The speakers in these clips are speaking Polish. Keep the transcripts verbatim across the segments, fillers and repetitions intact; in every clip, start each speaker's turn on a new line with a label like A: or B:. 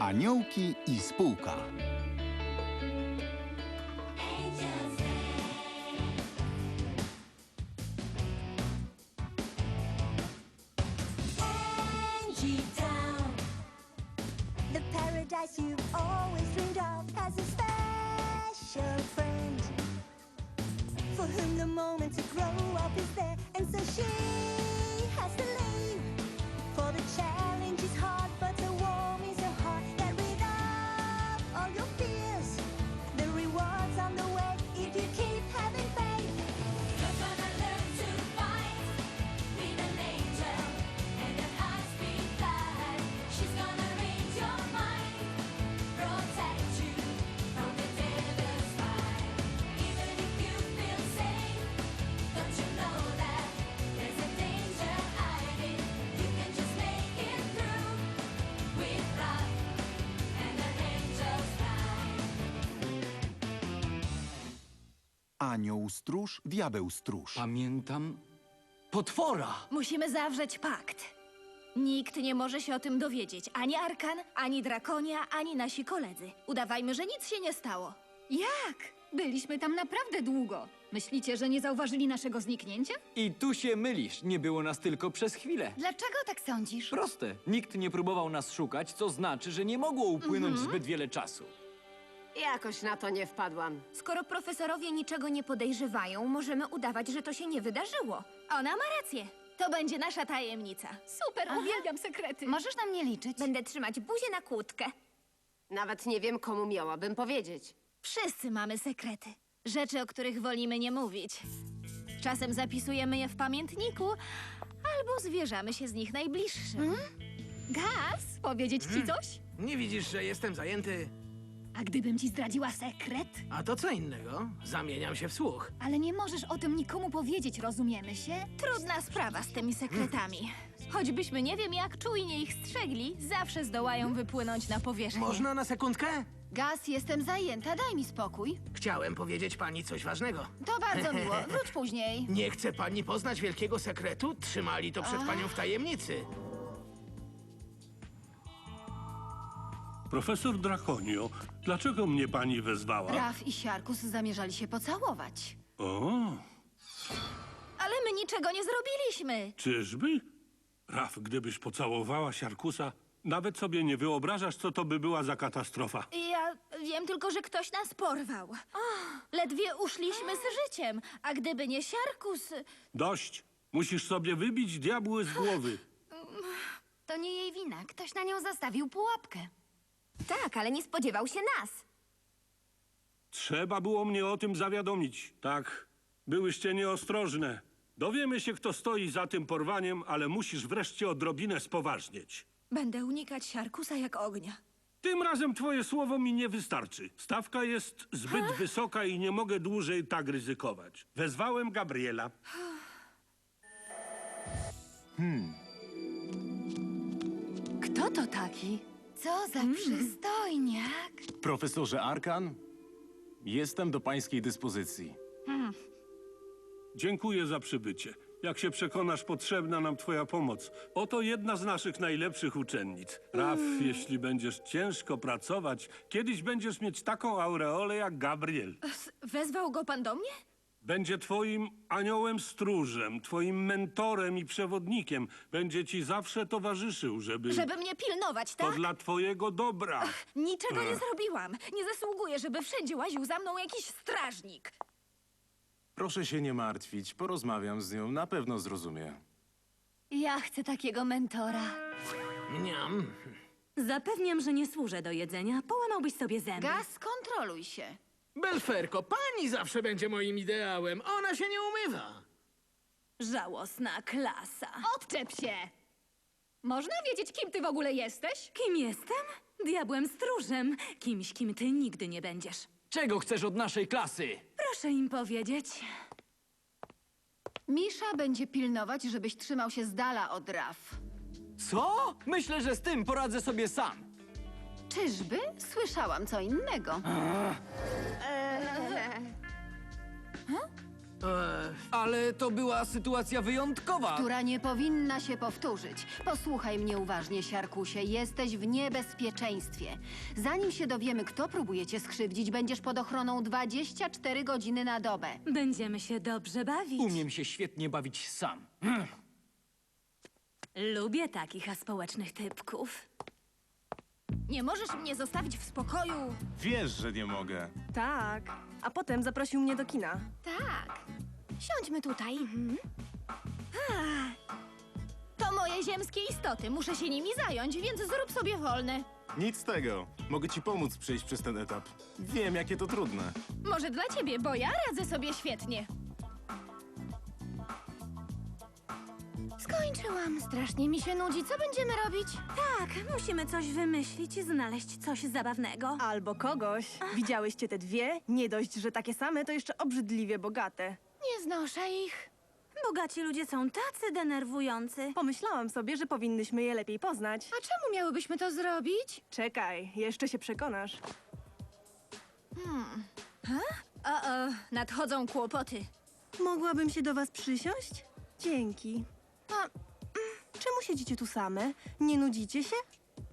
A: Aniołki i spółka.
B: The paradise you've always dreamed of has a special friend for whom the moment to grow up is there, and so she has to leave. For the challenge is hard, but the warm is so hard that without all your fears, the rewards on the way if you keep having faith.
C: You're gonna learn to fight with an angel and a high-speed flight. She's gonna read your mind, protect you from the devil's fight. Even if you feel safe, don't you know that there's a danger hiding? You can just make it through with love and an angel's flight.
A: Anioł stróż, diabeł stróż.
D: Pamiętam potwora.
E: Musimy zawrzeć pakt. Nikt nie może się o tym dowiedzieć. Ani Arkan, ani Drakonia, ani nasi koledzy. Udawajmy, że nic się nie stało.
F: Jak? Byliśmy tam naprawdę długo. Myślicie, że nie zauważyli naszego zniknięcia?
D: I tu się mylisz. Nie było nas tylko przez chwilę.
F: Dlaczego tak sądzisz?
D: Proste. Nikt nie próbował nas szukać, co znaczy, że nie mogło upłynąć zbyt wiele czasu.
G: Jakoś na to nie wpadłam.
E: Skoro profesorowie niczego nie podejrzewają, możemy udawać, że to się nie wydarzyło. Ona ma rację. To będzie nasza tajemnica.
F: Super, uwielbiam sekrety.
E: Możesz na mnie liczyć. Będę trzymać buzię na kłódkę.
G: Nawet nie wiem, komu miałabym powiedzieć.
E: Wszyscy mamy sekrety. Rzeczy, o których wolimy nie mówić. Czasem zapisujemy je w pamiętniku, albo zwierzamy się z nich najbliższym.
F: Gaz, powiedzieć ci coś?
H: Nie widzisz, że jestem zajęty?
F: A gdybym ci zdradziła sekret?
H: A to co innego? Zamieniam się w słuch.
F: Ale nie możesz o tym nikomu powiedzieć, rozumiemy się?
E: Trudna sprawa z tymi sekretami. Choćbyśmy nie wiem jak czujnie ich strzegli, zawsze zdołają wypłynąć na powierzchnię.
H: Można na sekundkę?
F: Gaz, jestem zajęta, daj mi spokój.
H: Chciałem powiedzieć pani coś ważnego.
F: To bardzo miło, wróć później.
H: Nie chce pani poznać wielkiego sekretu? Trzymali to przed panią w tajemnicy.
I: Profesor Drakonio, dlaczego mnie pani wezwała?
F: Raf i Siarkus zamierzali się pocałować.
I: O,
E: Ale my niczego nie zrobiliśmy.
I: czyżby? Raf, gdybyś pocałowała Siarkusa, nawet sobie nie wyobrażasz, co to by była za katastrofa.
E: Ja wiem tylko, że ktoś nas porwał. Ledwie uszliśmy z życiem, a gdyby nie Siarkus...
I: Dość! Musisz sobie wybić diabły z głowy.
F: To nie jej wina, ktoś na nią zastawił pułapkę.
E: Tak, ale nie spodziewał się nas.
I: Trzeba było mnie o tym zawiadomić. Tak, byłyście nieostrożne. Dowiemy się, kto stoi za tym porwaniem, ale musisz wreszcie odrobinę spoważnieć.
E: Będę unikać Siarkusa jak ognia.
I: Tym razem twoje słowo mi nie wystarczy. Stawka jest zbyt wysoka i nie mogę dłużej tak ryzykować. Wezwałem Gabriela.
F: Kto to taki? Co za przystojniak.
J: Profesorze Arkan, jestem do pańskiej dyspozycji.
I: Dziękuję za przybycie. Jak się przekonasz, potrzebna nam twoja pomoc. Oto jedna z naszych najlepszych uczennic. Raf, jeśli będziesz ciężko pracować, kiedyś będziesz mieć taką aureolę jak Gabriel.
E: Wezwał go pan do mnie?
I: Będzie twoim aniołem stróżem, twoim mentorem i przewodnikiem. Będzie ci zawsze towarzyszył, żeby...
E: Żeby mnie pilnować,
I: To
E: tak?
I: dla twojego dobra.
E: Niczego nie zrobiłam. Nie zasługuję, żeby wszędzie łaził za mną jakiś strażnik.
J: Proszę się nie martwić, porozmawiam z nią, na pewno zrozumie.
F: Ja chcę takiego mentora.
H: Mniam.
K: Zapewniam, że nie służę do jedzenia. Połamałbyś sobie zęby.
F: Gaz, kontroluj się.
H: Belferko, pani zawsze będzie moim ideałem. Ona się nie umywa.
K: Żałosna klasa.
F: Odczep się! Można wiedzieć, kim ty w ogóle jesteś?
K: Kim jestem? Diabłem stróżem. Kimś, kim ty nigdy nie będziesz.
D: Czego chcesz od naszej klasy?
K: Proszę im powiedzieć.
F: Misza będzie pilnować, żebyś trzymał się z dala od Raf.
D: Co? Myślę, że z tym poradzę sobie sam.
F: Czyżby? Słyszałam co innego.
H: E,
D: Ale to była sytuacja wyjątkowa.
L: Która nie powinna się powtórzyć. Posłuchaj mnie uważnie, Siarkusie. Jesteś w niebezpieczeństwie. Zanim się dowiemy, kto próbuje cię skrzywdzić, będziesz pod ochroną dwadzieścia cztery godziny na dobę.
K: Będziemy się dobrze bawić.
D: Umiem się świetnie bawić sam.
K: Lubię takich aspołecznych typków.
E: Nie możesz mnie zostawić w spokoju.
J: Wiesz, że nie mogę.
G: Tak. A potem zaprosił mnie do kina.
E: Tak. Siądźmy tutaj. Ah. To moje ziemskie istoty. Muszę się nimi zająć, więc zrób sobie wolne.
J: Nic z tego. Mogę ci pomóc przejść przez ten etap. Wiem, jakie to trudne.
E: Może dla ciebie, bo ja radzę sobie świetnie. Skończyłam. Strasznie mi się nudzi. Co będziemy robić?
K: Tak, musimy coś wymyślić i znaleźć coś zabawnego.
G: Albo kogoś. Widziałyście te dwie? Nie dość, że takie same, to jeszcze obrzydliwie bogate.
E: Nie znoszę ich.
K: Bogaci ludzie są tacy denerwujący.
G: Pomyślałam sobie, że powinnyśmy je lepiej poznać.
E: A czemu miałybyśmy to zrobić?
G: Czekaj, jeszcze się przekonasz.
E: O, o, nadchodzą kłopoty.
G: Mogłabym się do was przysiąść? Dzięki. A mm, czemu siedzicie tu same? Nie nudzicie się?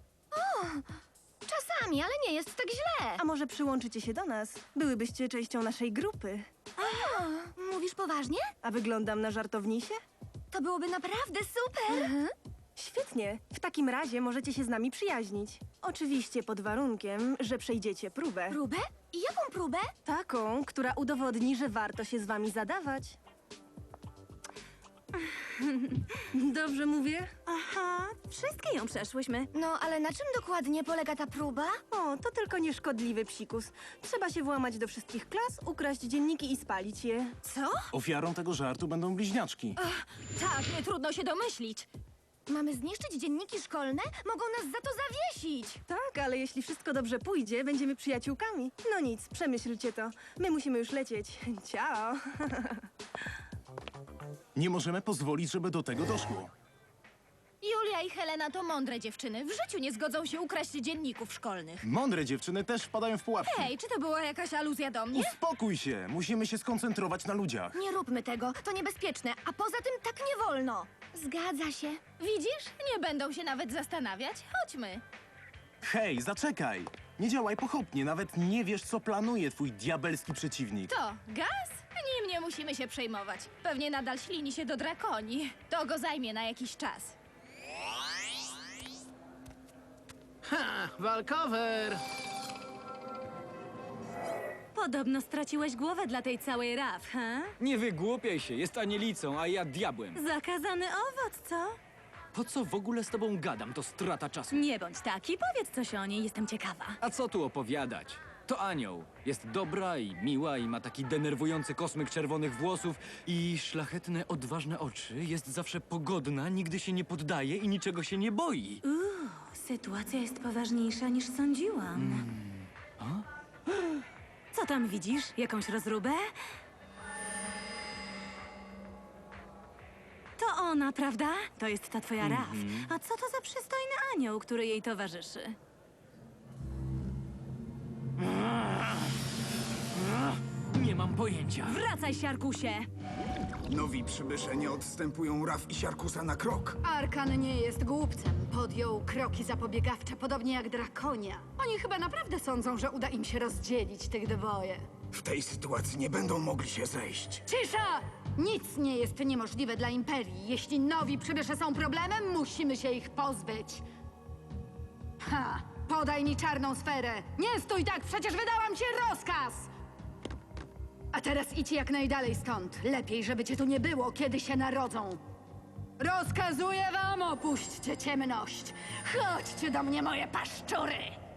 E: Czasami, ale nie jest tak źle.
G: A może przyłączycie się do nas? Byłybyście częścią naszej grupy.
E: Mówisz poważnie?
G: A wyglądam na żartownisie?
E: To byłoby naprawdę super.
G: Świetnie. W takim razie możecie się z nami przyjaźnić. Oczywiście pod warunkiem, że przejdziecie próbę.
E: Próbę? I jaką próbę?
G: Taką, która udowodni, że warto się z wami zadawać. Dobrze mówię?
K: Aha, wszystkie ją przeszłyśmy.
E: No, ale na czym dokładnie polega ta próba?
G: O, to tylko nieszkodliwy psikus. Trzeba się włamać do wszystkich klas, ukraść dzienniki i spalić je.
E: Co?
J: Ofiarą tego żartu będą bliźniaczki.
E: Tak, nie trudno się domyślić. Mamy zniszczyć dzienniki szkolne? Mogą nas za to zawiesić.
G: Tak, ale jeśli wszystko dobrze pójdzie, będziemy przyjaciółkami. No nic, przemyślcie to. My musimy już lecieć. Ciao.
J: Nie możemy pozwolić, żeby do tego doszło.
E: Julia i Helena to mądre dziewczyny. W życiu nie zgodzą się ukraść dzienników szkolnych.
J: Mądre dziewczyny też wpadają w pułapki.
E: Hej, czy to była jakaś aluzja do mnie?
J: Uspokój się! Musimy się skoncentrować na ludziach.
E: Nie róbmy tego, to niebezpieczne, a poza tym tak nie wolno. Zgadza się. Widzisz? Nie będą się nawet zastanawiać. Chodźmy.
J: Hej, zaczekaj! Nie działaj pochopnie, nawet nie wiesz, co planuje twój diabelski przeciwnik.
E: To gaz? Nim nie musimy się przejmować. Pewnie nadal ślini się do drakoni. To go zajmie na jakiś czas.
H: ha, walkover!
K: Podobno straciłeś głowę dla tej całej raf, he?
D: Nie wygłupiaj się, jest anielicą, a ja diabłem.
K: Zakazany owoc, co?
D: Po co w ogóle z tobą gadam? To strata czasu.
K: Nie bądź taki, powiedz coś o niej, jestem ciekawa.
D: A co tu opowiadać? To anioł. Jest dobra i miła i ma taki denerwujący kosmyk czerwonych włosów i szlachetne, odważne oczy. Jest zawsze pogodna, nigdy się nie poddaje i niczego się nie boi.
K: Uuu, sytuacja jest poważniejsza niż sądziłam. Co tam widzisz? Jakąś rozróbę? To ona, prawda? To jest ta twoja Raf. A co to za przystojny anioł, który jej towarzyszy?
D: Nie mam pojęcia.
K: Wracaj, siarkusie!
A: Nowi przybysze nie odstępują Raf i Siarkusa na krok.
F: Arkan nie jest głupcem. Podjął kroki zapobiegawcze, podobnie jak Drakonia. Oni chyba naprawdę sądzą, że uda im się rozdzielić tych dwoje.
A: W tej sytuacji nie będą mogli się zejść.
F: Cisza! Nic nie jest niemożliwe dla Imperii. Jeśli nowi przybysze są problemem, musimy się ich pozbyć. Ha! Podaj mi czarną sferę! Nie stój tak, przecież wydałam ci rozkaz! A teraz idź jak najdalej stąd. Lepiej, żeby cię tu nie było, kiedy się narodzą. Rozkazuję wam, opuśćcie ciemność. Chodźcie do mnie, moje paszczury!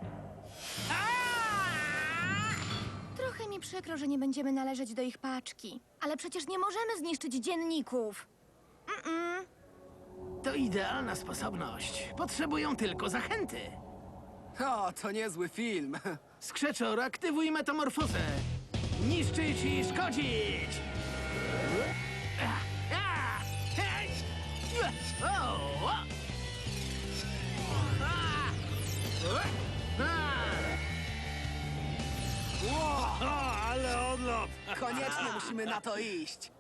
E: Trochę mi przykro, że nie będziemy należeć do ich paczki. Ale przecież nie możemy zniszczyć dzienników. Mm-mm.
H: To idealna sposobność. Potrzebują tylko zachęty.
M: O, to niezły film.
H: Skrzeczor, aktywuj metamorfozę. Niszczyć i szkodzić! A, a, hej! O, o. A, o, a. O, ale odlot! Hop!
M: Koniecznie musimy na to iść.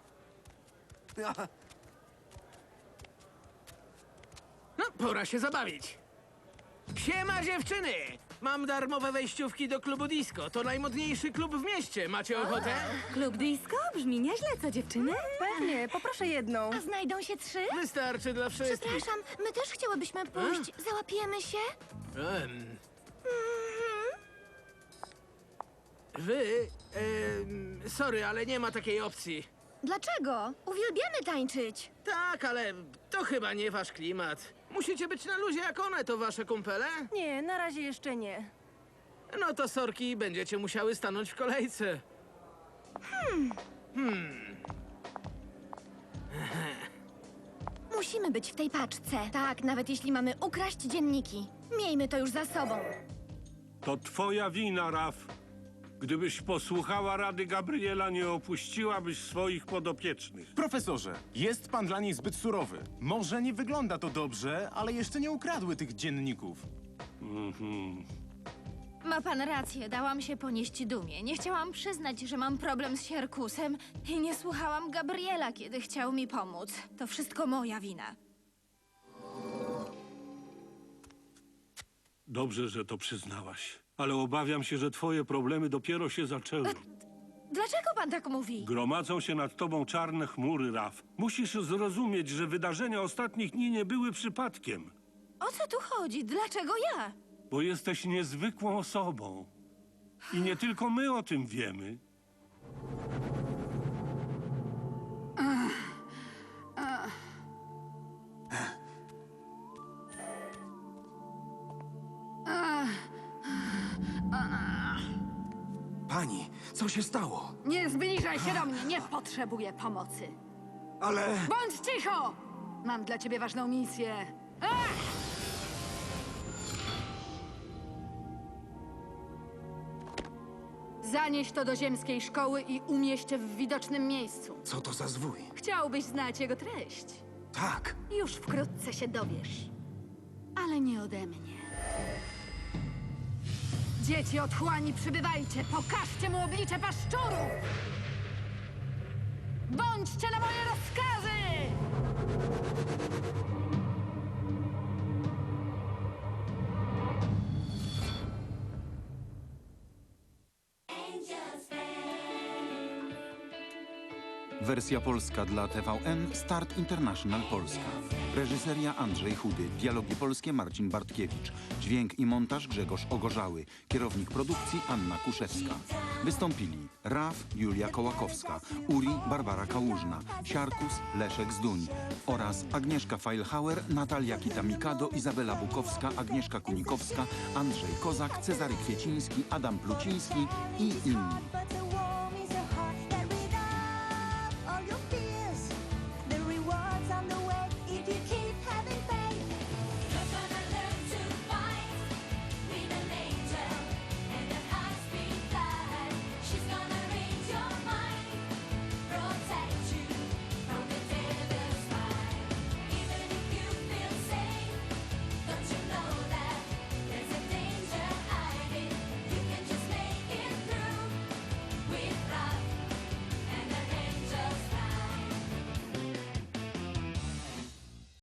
H: No, pora się zabawić. Siema dziewczyny! Mam darmowe wejściówki do klubu disco. To najmodniejszy klub w mieście. Macie ochotę?
K: Klub disco? Brzmi nieźle, co dziewczyny?
G: Pewnie, poproszę jedną.
E: A znajdą się trzy?
H: Wystarczy dla wszystkich.
E: Przepraszam, my też chciałybyśmy pójść. Załapiemy się?
H: Em. Wy... em, sorry, ale nie ma takiej opcji.
E: Dlaczego? Uwielbiamy tańczyć.
H: Tak, ale to chyba nie wasz klimat. Musicie być na luzie jak one, to wasze kumpele?
G: Nie, na razie jeszcze nie.
H: No to sorki, będziecie musiały stanąć w kolejce.
E: Musimy być w tej paczce. Tak, nawet jeśli mamy ukraść dzienniki. Miejmy to już za sobą.
I: To twoja wina, Raf. Gdybyś posłuchała rady Gabriela, nie opuściłabyś swoich podopiecznych.
J: Profesorze, jest pan dla niej zbyt surowy. Może nie wygląda to dobrze, ale jeszcze nie ukradły tych dzienników.
E: Ma pan rację, dałam się ponieść dumie. Nie chciałam przyznać, że mam problem z Sierkusem i nie słuchałam Gabriela, kiedy chciał mi pomóc. To wszystko moja wina.
I: Dobrze, że to przyznałaś. Ale obawiam się, że twoje problemy dopiero się zaczęły.
E: Dlaczego pan tak mówi?
I: Gromadzą się nad tobą czarne chmury, Raf. Musisz zrozumieć, że wydarzenia ostatnich dni nie były przypadkiem.
E: O co tu chodzi? Dlaczego ja?
I: Bo jesteś niezwykłą osobą. I nie tylko my o tym wiemy.
A: Pani, co się stało?
F: Nie zbliżaj się do mnie, nie potrzebuję pomocy.
A: Ale...
F: Bądź cicho! Mam dla ciebie ważną misję. Ach! Zanieś to do ziemskiej szkoły i umieść w widocznym miejscu.
A: Co to za zwój?
F: Chciałbyś znać jego treść.
A: Tak.
F: Już wkrótce się dowiesz. Ale nie ode mnie. Dzieci otchłani, przybywajcie! Pokażcie mu oblicze paszczurów! Bądźcie na moje rozkazy!
N: Wersja polska dla T V N Start International Polska. Reżyseria Andrzej Chudy. Dialogi polskie Marcin Bartkiewicz. Dźwięk i montaż Grzegorz Ogorzały. Kierownik produkcji Anna Kuszewska. Wystąpili Raf Julia Kołakowska, Uri Barbara Kałużna, Siarkus Leszek Zduń oraz Agnieszka Feilhauer, Natalia Kita-Mikado, Izabela Bukowska, Agnieszka Kunikowska, Andrzej Kozak, Cezary Kwieciński, Adam Pluciński i inni.
B: But the war